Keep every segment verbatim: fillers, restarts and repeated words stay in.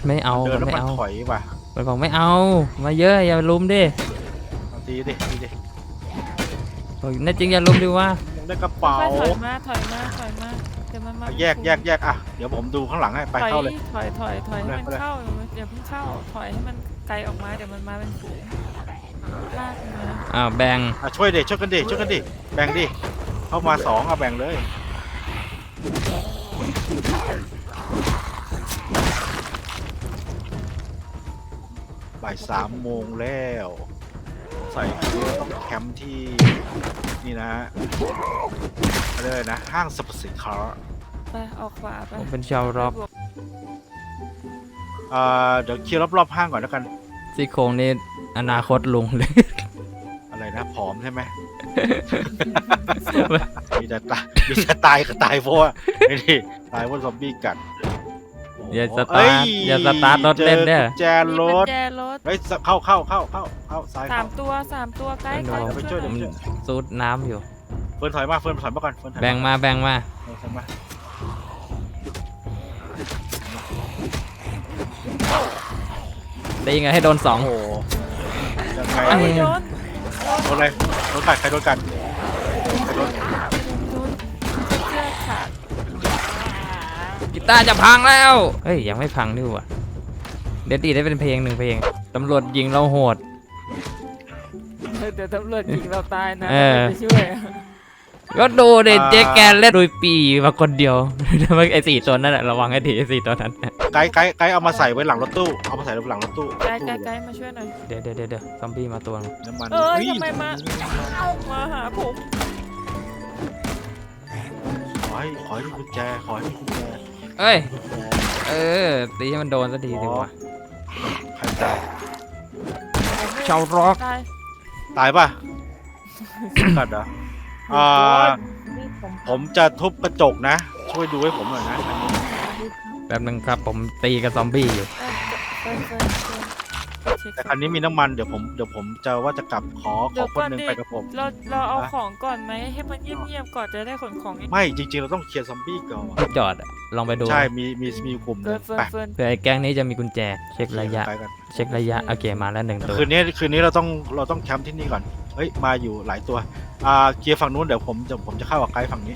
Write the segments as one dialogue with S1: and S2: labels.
S1: มันไม่เอา
S2: เดิน
S1: มัน
S2: แล้ว
S1: ไม่
S2: มัน
S1: เอา
S2: ถอยว่ะ
S1: มันบอกไม่เอามาเยอะอย่าลุมดิ
S2: เอาตีดิตีดิ
S1: บอกแน่จริงอย่าลุมดิว่า
S2: ยังได้กระเป๋า
S3: ค่อยๆถอยมาถอยมาถอยมาเดี๋ยวมันมา
S2: เอาแยกแยกแยกอ่ะเดี๋ยวผมดูข้างหลังให้ไป
S3: ถอย
S2: เข้าเลย
S3: ถอยถอยถอยให้มัน
S2: ไปเลย
S3: เข้าอย่าเพิ่งเข้าถอยให้มันไกลออกมาเดี๋ยวมันมาเป็นฝูงลากมันมา
S1: อ้าวแบ่ง
S2: อ่ะช่วยเด็ช่วยกันดิช่วยกันดิแบ่งดิเข้ามาสองเอาแบ่งเลยบ่ายสามโมงแล้วใส่เรือต้องแคมป์ที่นี่นะฮะอะไรยกนะห้างสรรพสินค้า
S3: ไปออกขวาไป
S1: ผมเป็นชาวร็อก
S2: อ่าเดี๋ยวเคลียร์รอบๆห้างก่อนแล้วกัน
S1: ซี่โครงนี่อนาคตลุงเลย
S2: อะไรนะผอมใช่ไหม มีแต่ตายมีแต่ตายก็ตายเพราะว่าไอ้นี่ตายเพราะซอมบี้กัด
S1: อย่าส
S2: เอ้
S1: ตาร์ทอย่าสตาร์ทรถเล่นเด้อ
S2: แจ
S3: มี
S2: ร
S3: กุญ
S2: ถ
S3: แจรถ
S2: เฮ้ยเข้าเข้าเข้าเข้าเข้าซ้าย
S3: สาม
S2: เข้า
S3: ตัวสามตัวใกล้ใกล้
S2: เดี๋ยวไปช่วย
S3: หน่อ
S2: เดี๋ยว
S1: ผมซูดน้ำอยู่
S2: เฟิร์นถอยมาเฟิร์นถอยมาก่อนเฟิร์นถอย
S1: แบ่งมาแบ่งมา
S2: เฟิร์นถอยมา
S1: ตีไงให้โดนสอง
S2: โอ้โหยังไง
S1: อัน
S3: โอ้
S1: นี้
S3: ยโดน
S2: โดนอะไรโดนกัดใครโดนกัดใครโดน
S3: โดนเชือกขาด
S1: กีตาร์จะพังแล้วเฮ้ยยังไม่พังนี่หว่าเดี๋ยวดีได้เป็นเพลงหนึ่งเพลงตำรวจยิงเราโหด
S3: เดี๋ยวตำรวจยิงเราตายนะ
S1: เออ
S3: ไปช่วย
S1: ก็ดูเด็เจ๊แกนเล่นโดยปีมาคนเดียว ไอ้สี่ตัวนั่นแหละระวังให้ดีไอ้สี่ตัวนั้น
S2: ไกด์ไกด์ไกด์เอามาใส่ไว้หลังรถตู้เอามาใส่ไว้หลังรถตู้
S3: ไกลไกลไกลมาช่วยหน่อย
S1: เดี๋ยวเดี๋ยวเดี๋ยวเดี๋ยวซอมบี้มาตัวนึง
S2: น้ำมัน
S3: เอ้ย
S2: ฮ้
S3: ทำไมมา มาหาผม
S2: ขอให้ขอให้มีกุญแจขอให้มีกุญแจ
S1: เอ้ยเออตีให้มันโดนสักทีดีกว่า
S2: ใครตาย
S1: ชาวร็อก
S3: ตาย
S2: ตายป่ะ กัดเหรออ่าผมจะทุบกระจกนะ ช่วยดูให้ผมหน่อยนะอันนี้
S1: แป๊บนึงครับผมตีกับซอมบี้อยู่
S3: เฟิร์นเฟิร์นเฟิร์นเช็ค
S2: แต่คันนี้มีน้ำมันเดี๋ยวผมเดี๋ยวผมจะว่าจะกลับขอข
S3: เดี๋
S2: อ
S3: ยว
S2: ค
S3: ก่
S2: น
S3: อน
S2: หนึ่ง
S3: ดิ
S2: ไปกับผม
S3: เราเราเอา
S2: ฮะ
S3: ของก่อนไหมให้มันเงียบๆก่อนจะได้ขนของ
S2: ไม่จริงๆเราต้องเคลียร์ซอมบี้ก่อน
S1: จอดอะลองไปดู
S2: ใช่มีมีมีกลุ่มห
S3: เฟิ
S2: นึ่
S3: ร์
S2: ง
S3: นเฟิร์
S2: ไป
S3: นเฟิร์น
S1: เผื่อไอ้แก๊งนี้จะมีกุญแจเช็คระยะ
S2: ไปกัน
S1: เช็คระยะโอเคมาแล้วหนึ่งตัว
S2: คืนนี้คืนนี้เราต้องเราต้องแคมป์ที่นี่ก่อนเฮ้ยมาอยู่หลายตัวอ่าเคลียร์ฝั่งนู้นเดี๋ยวผมจะผมจะเข้ากับไกด์ฝั่งนี้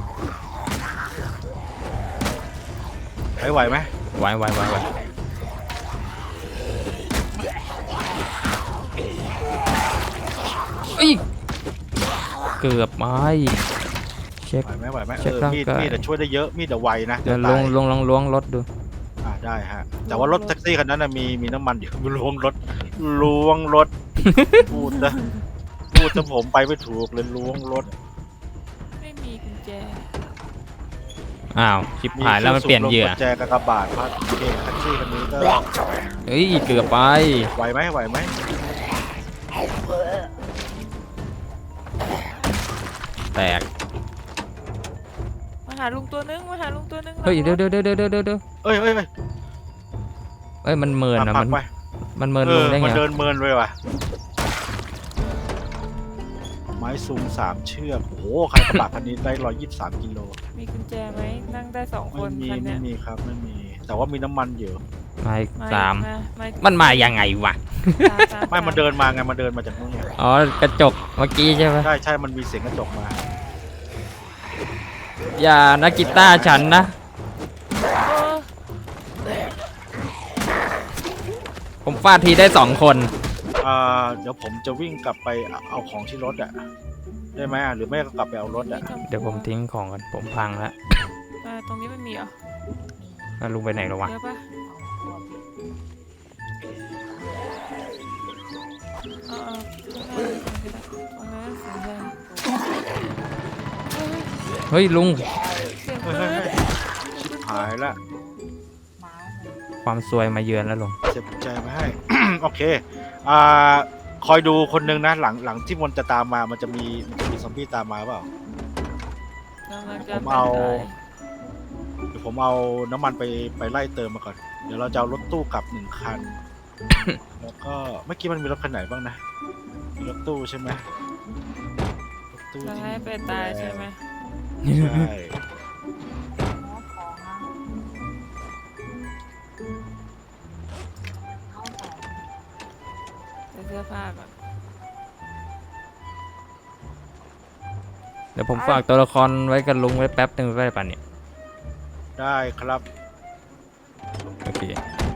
S2: ไหวไหวไหม
S1: ไว้ไว้ไว้ไว้เอ้ยเกือบไม่เช็ค
S2: ไหวไหมไหวไหม
S1: เช็
S2: เอ
S1: ค
S2: อ
S1: ร่าง
S2: มีด
S1: กาย
S2: มีดจะช่วยได้เยอะมีดจะไวนะ
S1: เดี๋ยวล
S2: ตาง ย
S1: ลงลองล้วงรถดู
S2: อ่าได้ฮะแต่ว่ารถแท็กซี่คันนั้นนะมีมีน้ำมันอยู่ ล้วงรถล้วงรถ พูดนะพูดจะผมไปไม่ถูกเลยล้วงรถ
S3: ไม่มีกุญแจ
S1: อ้าวชิบหายแล้วมันเปลี่ยนเหยื่อ
S2: มีครื่องสูบลมกุญแจกากบาทพัดโอเคแท็กซี่คันนี้ก็
S1: เฮ้ยเกือบไป
S2: ไหวไหมไหวไหม
S1: แตก
S3: มาหาลุงตัวนึงมาหาลุงตัวนึง
S1: เฮ้ยเดี๋ยวเดี๋ยวเดี๋ยวเดี๋ยวเดี๋ยวเดี๋ยว
S2: เอ้ยเอ้ยเอ้ย
S1: เอ้ยมันเมินอะ
S2: ปั
S1: มั
S2: ก
S1: น
S2: ไป
S1: มันเมิน
S2: เอ
S1: ลง
S2: อ
S1: ได้ไง
S2: มันเดินเมินเลยว่ะไม้ซูงสามเชือกโอ้โหใครกระบะคันนี้ได้ร้อยยี่สิบสามกิโล
S3: มีกุญแจไหมนั่งได้สองค
S2: ไม่
S3: น
S2: มี
S3: คัน
S2: ไม่
S3: เนี้ย
S2: มีครับไม่มี แต่ว่ามีน้ำมันอยู่
S1: มาอีก
S3: ไม่
S1: สาม
S3: ไม่
S1: มันมายังไงวะ
S3: สามสา
S2: ไม่มันเดินมาไงมันเดินมาจากนู่นไง
S1: อ๋อกระจกเมื่อกี้ใช่ไหม
S2: ใช่ใช่มันมีเสียงกระจกมา
S1: อย่านะกีตาร์ฉันนะ
S3: เออ
S1: ผมฟาดทีได้สองคน
S2: อ่าเดี๋ยวผมจะวิ่งกลับไปเอาของที่รถอ่ะได้ไหมอ่ะหรือไม่ก็กลับไปเอารถอ่ะ
S1: เดี๋ยวผมทิ้งของกันผมพังแล้ว
S3: อ่าตรงนี้ไม่มีเหรอ
S1: แล้วลุงไปไหนแล้ววะ
S3: เดี๋ยวปะเออเออตรงนั้นเสียงดัง
S1: เฮ้ยลุง
S3: เสียง
S2: เฮ้ย
S3: ปื
S2: เฮ้ย
S3: น
S2: เฮ้ยชิบหายละ
S1: ความซวยมาเยือนแล้วลุง
S2: เจ็บใจมาให้ โอเคอ่าคอยดูคนหนึ่งนะหลังหลังที่มันจะตามมามันจะมีมันจะมีซอมบี้ตามมาเปล่า
S3: กำลังจะ
S2: ผมเอา
S3: ไป
S2: เดี๋ยวผมเอาน้ำมันไปไปไล่เติมมาก่อน เดี๋ยวเราจะเอารถตู้กลับหนึ่งคัน แล้วก็เมื่อกี้มันมีรถคันไหนบ้างนะมีรถตู้ใช่ไหมรถตู้
S3: จะ
S2: ที่
S3: ให้ไปตายใช่ไหม
S2: ใช่
S3: ผ้าก่อน
S1: เดี๋ยวผมฝากตัวละครไว้กับลุงไว้แป๊บหนึ่งไว้ป่ะเนี่ย
S2: ได้ครับ
S1: โอเค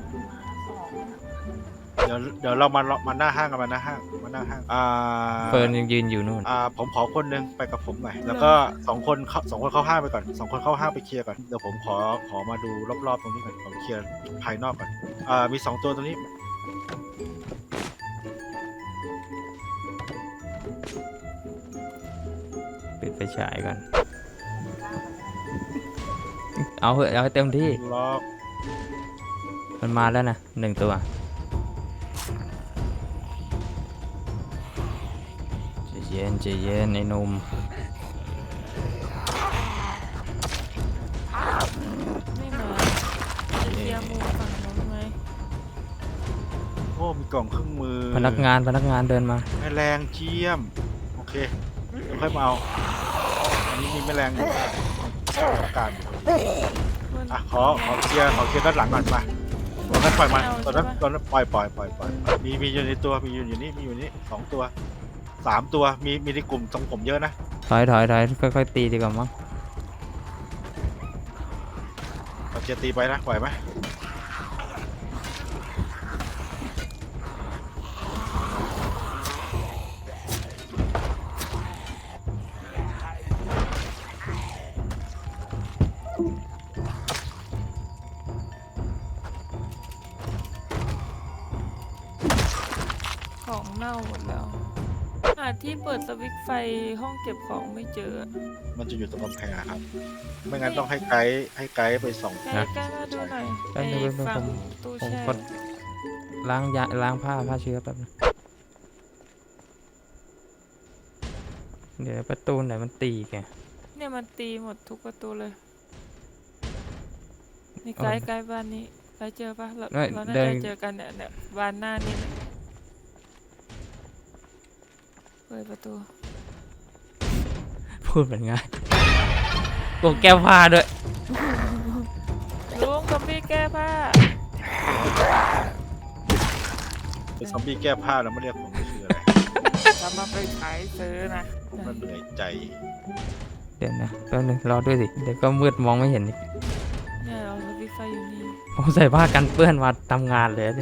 S2: เดี๋ยวเดี๋ยวเรามามาหน้าห้างกันมาหน้าห้างมาหน้าห้างอ่า
S1: เฟิร์นยังยืนอยู่นู่น
S2: อ่าผมขอคนหนึงไปกับผมหน่อยแล้วก็สองคนเข้าสองคนเข้าห้างไปก่อนสองคนเข้าห้างไปเคลียร์ก่อนเดี๋ยวผมขอขอมาดูรอบๆตรงนี้ก่อนขอเคลียร์ภายนอกก่อนอ่ามีสองตัวตรงนี้
S1: ปิดไฟฉายก่อน เอาเหอะเอาให้เต็มที่
S2: ล็อก
S1: มันมาแล้วนะหนึ่งตัวใจเย็นใจเย็นไอ้หนุ่ม
S3: ไม่มาจะเคลียร์มุมฝั่งนู้นไหม
S2: โอ้มีกล่องเครื่องมือ
S1: พนักงานพนักงานเดินมา
S2: แมลงเจียมโอเคเดี๋ยวค่อยมาเอาอันนี้มีแมลงอยู่ต้องการอยู่
S3: เพื่อน
S2: อ่ะขอขอเคลียร์ขอเคลียร์ด้านหลังก่อนมาตอนนั้นปล่อยมันตอนนั้นตอนนั้นปล่อยปล่อยปล่อยปล่อยมีมีอยู่ในตัวมีอยู่อยู่นี่มีอยู่นี่สองตัวสามตัวมีมีในกลุ่มตรงผมเยอะนะ
S1: ถอยถอยถอยค่อยๆตีดีกว่ามั้ง
S2: เราจะตีไปนะปล่อยไหม
S3: ของเน่าหมดแล้วหาที่เปิดสวิตช์ไฟห้องเก็บของไม่เจอ
S2: มันจะอยู่ตรงกำแพงอะครับไม่งั้นต้องให้ไกด์ให้ไกด์ไปส่อง
S3: ใกล้ใกล้มาดูหน่อย
S1: แป๊บ
S3: ไอ้
S1: นึงแป๊บนึง
S3: ฝั่
S1: ผ
S3: ง
S1: ม
S3: ตู้
S1: ผม
S3: แช่
S1: กดล้างยาล้างผ้าผ้าเชื้อแป๊บนึงเดี๋ยวประตูไหนมันตีแก
S3: เนี่ยมันตีหมดทุกประตูเลยนี่
S1: เอา
S3: ไกด์ไกด์บ้านนี้ไกด์เจอปะเรา
S1: ไม่
S3: เราน่า
S1: เดิน
S3: จะเจอกันเนี่ยเนี่ยบ้านหน้านี่แหละเปิดประตู
S1: พูดเหมือนง่ายโกงแก้วผ้าด้วย
S3: ลุงซอมบี้แก้ผ้า
S2: เป็นซอมบี้แก้ผ้าแล้วไม่เรียกผมคืออะไร
S3: จะมาไปขายซื้อนะ
S2: มันเหนื่อยใจ
S1: เดี๋ยวนะแป๊บนึงรอด้วยสิเดี๋ยวก็มืดมองไม่เห็นอีก
S3: เนี่ยเราสวิตช์ไฟอยู่นี่
S1: ผมใส่ผ้ากันเปื้อนมาทำงานเลยเนี่ย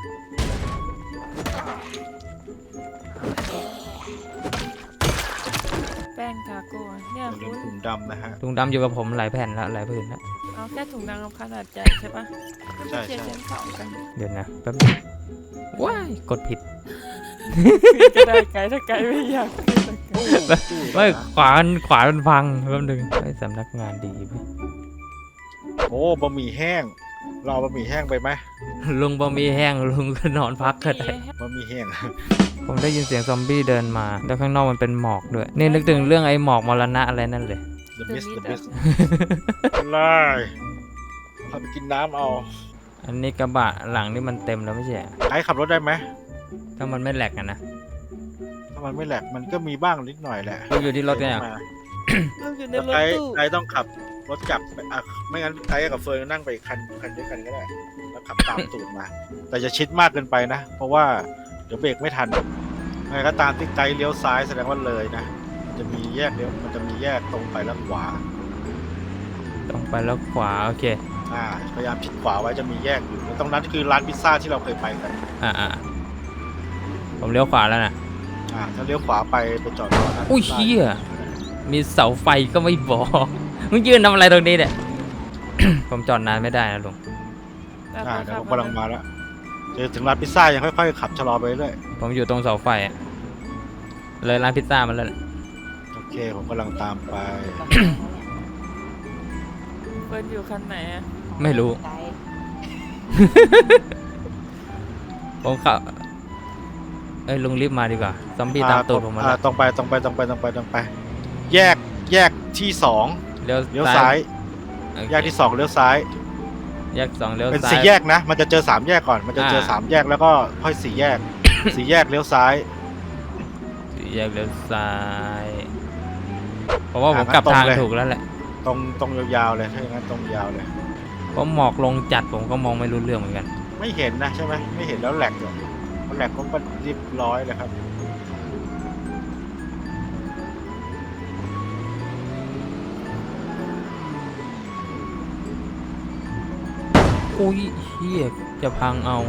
S3: แป้งทาโก้เนี่ย
S2: อย่าลื
S3: คุ
S2: ม
S3: ณ
S2: ถุงดำนะฮะ
S1: ถุงดำอยู่กับผมหลายแผ่นแล้วหลายผืนแล้ว
S3: เอาแค่ถุงนางรำขนาดใหญ่ใช่ปะ
S2: ใช่
S3: เชีย
S2: ใช่
S3: ร์ชั้นสองกัน
S1: เดี๋ยวนะแป๊บนึงว้ายกดผิด
S3: ก็ได้ไกด์ถ้าไกด์ไม่อยากขึ้นตะไกด์
S1: ไม่ขวามันขวามันพังแป๊บนึงไอ้สำนักงานดีไหม
S2: โอ้บะหมี่แห้งเราเอาบะหมี่แห้งไปไหม
S1: ลุงบะหมี่แห้งลุงก็นอนพักก็ได้
S2: บะหมี่แห้ง
S1: ผมได้ยินเสียงซอมบี้เดินมาแล้วข้างนอกมันเป็นหมอกด้วยนี่นึกถึงเรื่องไอ้หมอกมรณะอะไรนั่นเลย
S2: The Mist The Mist ไล่พาไปกินน้ำเอา
S1: อันนี้กระบะหลังนี่มันเต็มแล้วไม่ใช่เหรอ
S2: ไกด์ขับรถได้ไหม
S1: ถ้ามันไม่แหลกอะนะ
S2: ถ้ามันไม่แหลกมันก็มีบ้างนิดหน่อยแหละ
S1: ลุงอยู่ที่รถเนี่ย
S2: มา
S3: ลุงอยู่ใน
S2: แล้ว
S3: รถ
S2: ไกด์
S3: ตู้
S2: ไกด์ต้องขับรถกลับไปอ่ะไม่งั้นไกด์กับเฟิร์นนั่งไปคันคันด้วยกันก็ได้แล้วขับตามตูดมา แต่จะชิดมากเกินไปนะ เพราะว่าเดี๋ยวเบรกไม่ทันไงก็ตามที่ไกด์เลี้ยวซ้ายแสดงว่าเลยนะมันจะมีแยกเลี้ยวมันจะมีแยกตรงไปแล้วขวา
S1: ตรงไปแล้วขวาโอเค
S2: อ่าพยายามชิดขวาไว้จะมีแยกอยู่แล้วตรงนั้นคือร้านพิซซ่าที่เราเคยไปกัน
S1: อ่าอ่าผมเลี้ยวขวาแล้วนะ
S2: อ่าถ้าเลี้ยวขวาไปไปจอดรอร้าน
S1: อุ้ย
S2: พิซซ่า
S1: เชี่ยมีเสาไฟก็ไม่บอก มึงยืนทำอะไรตรงนี้เนี่ย ผมจอดนานไม่ได้นะลุง
S3: แบบ
S2: อ่า
S3: ว่า
S2: เดี๋ยวผม
S3: ขับ
S2: กำลังมาแล้วเจอถึงร้านพิซซ่ายังค่อยๆขับชะลอไปเรื่อย
S1: ผมอยู่ตรงเสาไฟอะเลยร้านพิซซ่ามันแล้ว
S2: โอเคผมกำลังตามไป
S3: เฟิร์นอยู่คันไหนอะ
S1: ไม่รู้ ผมขับเอ้ยลุงรีบมาดีกว่า ซอมบี้ตามตูดผมมา
S2: อ่า
S1: แล้ว
S2: ตรงไปตรงไปตรงไปตรงไปตรงไป แยกแยกที่สอง
S1: เลี้ยว
S2: เลี้ยวซ้าย
S1: โอเค
S2: แยกที่สองเลี้ยวซ้าย
S1: แยกสองเลี้ยว
S2: เป็น
S1: ซ้าย
S2: สี่แยกนะ มันจะเจอสามแยกก่อน มันจะเจอ
S1: อ่า
S2: สามแยกแล้วก็ค่อยสี่แยก สี่แยกเลี้ยวซ้าย
S1: สี่แยกเลี้ยวซ้ายเพราะว่าผม
S2: อ่ะ
S1: กลับ
S2: งั้นตรง
S1: ทาง
S2: เลย
S1: ถูกแล้วแหละ
S2: ตรงตรงยาวๆเลยถ้าอย่างนั้นตรงยาวเลย
S1: เพราะหมอกลงจัดผมก็มองไม่รู้เรื่องเหมือนกัน
S2: ไม่เห็นนะใช่ไหมไม่เห็นแล้วแหลกอยู่มันม็กก็เรียบร้อยเลยครับ
S1: อุ้ยเฮียจะพังเอา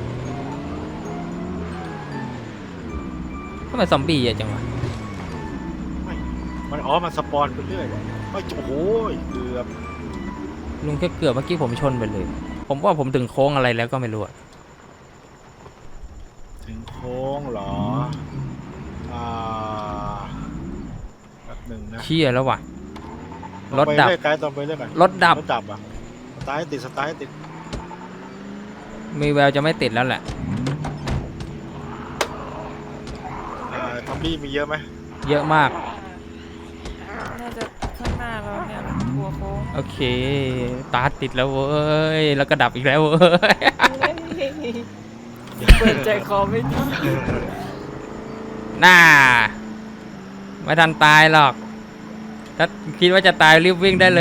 S1: ทำไมซอมบี้เยอะจังวะ
S2: ไม่มันอ๋อมันสปอนไปเรื่อยเลยไม่โอ้โหเกือบ
S1: ลุงแค่เกือบเมื่อกี้ผมชนไปเลย ผมว่าผมถึงโค้งอะไรแล้วก็ไม่รู้อะ
S2: ถึงโค้งเหรออ่าแป๊บหนึ่งนะ
S1: เชี่ยแล้วว่ะ รถ
S2: ไป
S1: ดับ
S2: เรื่อยไกด์ต้องไปเรื่อยกัน
S1: รถดับ
S2: รถดับอ่ะสตาร์ทให้ติดสตาร์ทให้ติด
S1: มีแววจะไม่ติดแล้วแหละ
S2: อ่าทอมบี้มีเยอะไหม
S1: เยอะมาก
S3: น่าจะข้างหน้าเราเนี่ยหัวโค้ง
S1: โอเค ตาร์ทติดแล้วเว้ย แล้วก็ดับอีกแล้วเว้ย
S3: เปิดใจคอไม่ดี
S1: น่า ไม่ทันตายหรอก ถ้าคิดว่าจะตายรีบวิ่งได้เลย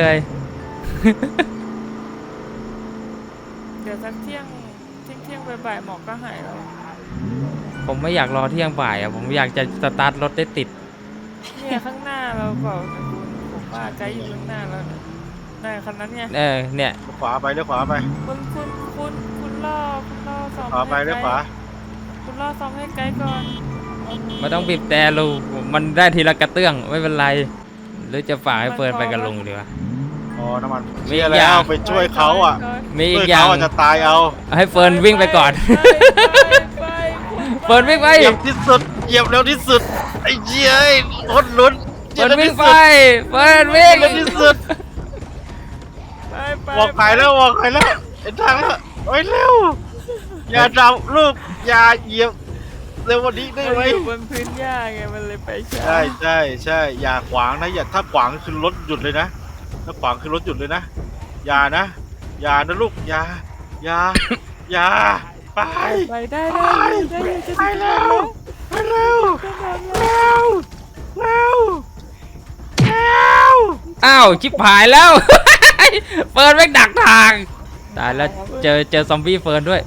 S3: เดี๋ยวสักเที่ยงเที่ยงเที่ยงบ่ายๆหมอกก็หายแล้ว
S1: ผมไม่อยากรอเที่ยงบ่ายอ่ะ ผมอยากจะสตาร์ทรถได้ติด
S3: เนี่ยข้างหน้าเราเปล่าคุณผมว่าไกด์อยู่ข้างหน้าเราเนี่ยนั่นคันนั้นไง
S1: เออ เนี่ย
S2: เลี้ยวขวาไปเลี้ยวขวาไป
S3: คุณคุณคุณคุณล่อคุณล่อซ้อม
S2: ขวาไป
S3: ให้
S2: เลี้ยว
S3: ไก
S2: ขวา
S3: ด์คุณล่อซ้อมให้ไกด์ก่อน
S1: ไม่ต้องบีบแต่ลุงมันได้ทีละกระเตื้องไม่เป็นไร หรือจะฝากให้เฟิร์นไปกับลุงดีวะ
S2: อ๋อน้ำมัน
S1: มี
S2: เชียร์
S1: อีกอ
S2: แล้
S1: ย่าง
S2: วไปช่วยเขาอ่ะ
S1: มีอี
S2: ช่วย
S1: กอย่า
S2: เขา
S1: ง
S2: อาจจะตายเอา
S1: ให้เฟิร์นวิ่งไปก่อน
S3: ไป
S1: เฟิร์นวิ่งไป
S2: เหยียบที่สุดเหยียบเร็วที่สุดไอ้เจี๊ยไอ้คนลุ้น
S1: เฟิร์นวิ่งไป เฟิร์น
S2: เหยี
S1: วิ่
S2: ย
S1: ง
S2: บเร็วที่สุด
S3: ไปไป
S2: บอกใครแล้วบอกใครแล้วเอ็นทางแล้วโอ้ยเร็วอย่าดับลูกอย่าเหยียบเร็วกวันนี้ได้
S3: มัน
S2: ไหม
S3: อยู่บนพื้นหญ้าไงมันเลยไปช้า
S2: ใช่ใช่ใช่อย่าขวางนะอย่าถ้าขวางคือรถหยุดเลยนะถ้าขวางคือรถหยุดเลยนะอย่านะอย่านะลูกอย่าอย่าอย่าไป
S3: ไปได้ได้ได้ได้จะ
S2: ไปเร็วไปเร็วเร็วเร็วเร็ว
S1: อ้าวชิบหายแล้ว เฟิร์นแม่งดักทางตายแล้วเจอเจอซอมบี้เฟิร์นด้วย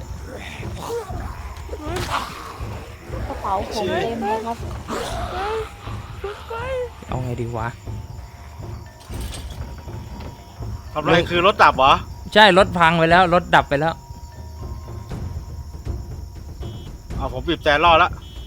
S4: กระเป๋าผมเต็มเลยครับ
S3: ไป
S1: เอาไงดีวะ
S2: ทำไรคือรถดับเหรอ
S1: ใช่รถพังไปแล้วรถดับไปแล้ว
S2: เอาผมบีบแต่รอแล้ว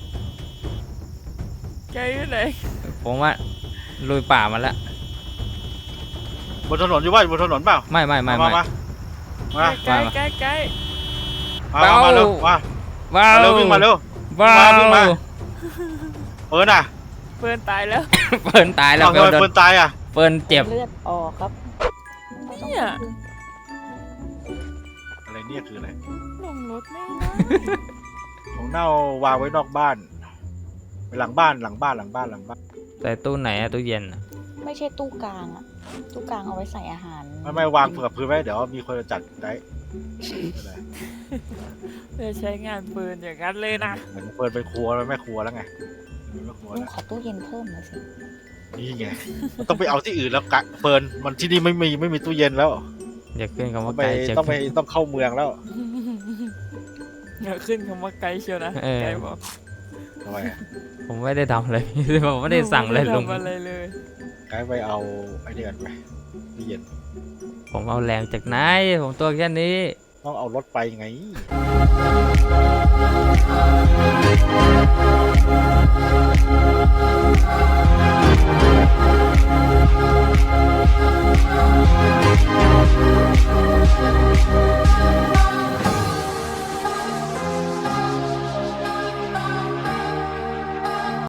S3: ไกลอยู่ไหน
S1: ผมว่าลุยป่ามาแล้ว
S2: บนถนนอยู่ว่าบนถนนเปล่า
S1: ไม่ไม่ไม่
S2: มา
S1: ไม่
S2: มามา
S3: ใกล้ใกล้ใกล้
S2: มามามาเร็วมา
S1: ว้า
S2: มาเร็ววิ่งมาเร็ว
S1: ว้า
S2: มาวิ่งมา
S1: ว
S2: เฟิร์นอ่ะ
S3: เพื่อนตายแล้ว
S1: เฟิร์นตายแล้ว
S2: เอาทำไม
S1: โดน
S2: เฟิร์นตายอ่ะ
S1: เฟิร์นเจ็บ
S4: เลือดออกครับไม่ต้อง
S3: เนี่ย
S2: อะไรเนี่ยคืออะไร
S3: ลงรถไม่ได้
S2: ของเน่าวางไว้นอกบ้านไปหลังบ้านหลังบ้านหลังบ้านหลังบ้าน
S1: แต่ตู้ไหนอะตู้เย็นอะ
S4: ไม่ใช่ตู้กลางอะตู้กลางเอาไว้ใส่อาหาร
S2: ไม่ไม่วางเผื่อพื้นไว้เดี๋ยวมีคนจะจัดได้อะไร
S3: เพื่อใช้งานปืนอย่างนั้นเลยนะ
S2: เหมือนเฟิร์นเป็นครัวแล้วแม่ครัวแล้วไงเป็นแม่ครัว
S4: ลุง
S2: แล้ว
S4: ขอตู้เย็นเพิ่มหน่อยสิ
S2: นี่ไงมันต้องไปเอาที่อื่นแล้วกะเฟิร์นมันที่นี่ไม่มีไม่มีตู้เย็นแล้ว
S1: อย่าขึ้นคำ
S2: ต้อ
S1: ว่าง
S2: ไป
S1: ไกลจะ
S2: ต้องไปต้องเข้าเมืองแล้ว
S3: อย่าขึ้นคำว่าไกลเชียวนะ
S1: เออ
S3: ไกลบอก
S2: ทำไมอะ
S1: ผมไม่ได้ทำอะไร ผมไม่ได้สั่งเลยลุง
S3: ไม่ได้ทำอะไรเลย
S2: ไกด์ไปเอาไอ้นี่กันไปตู้เย็น
S1: ผมเอาแรงจากไหนผมตัวแค่นี้
S2: ต้องเอารถไปไง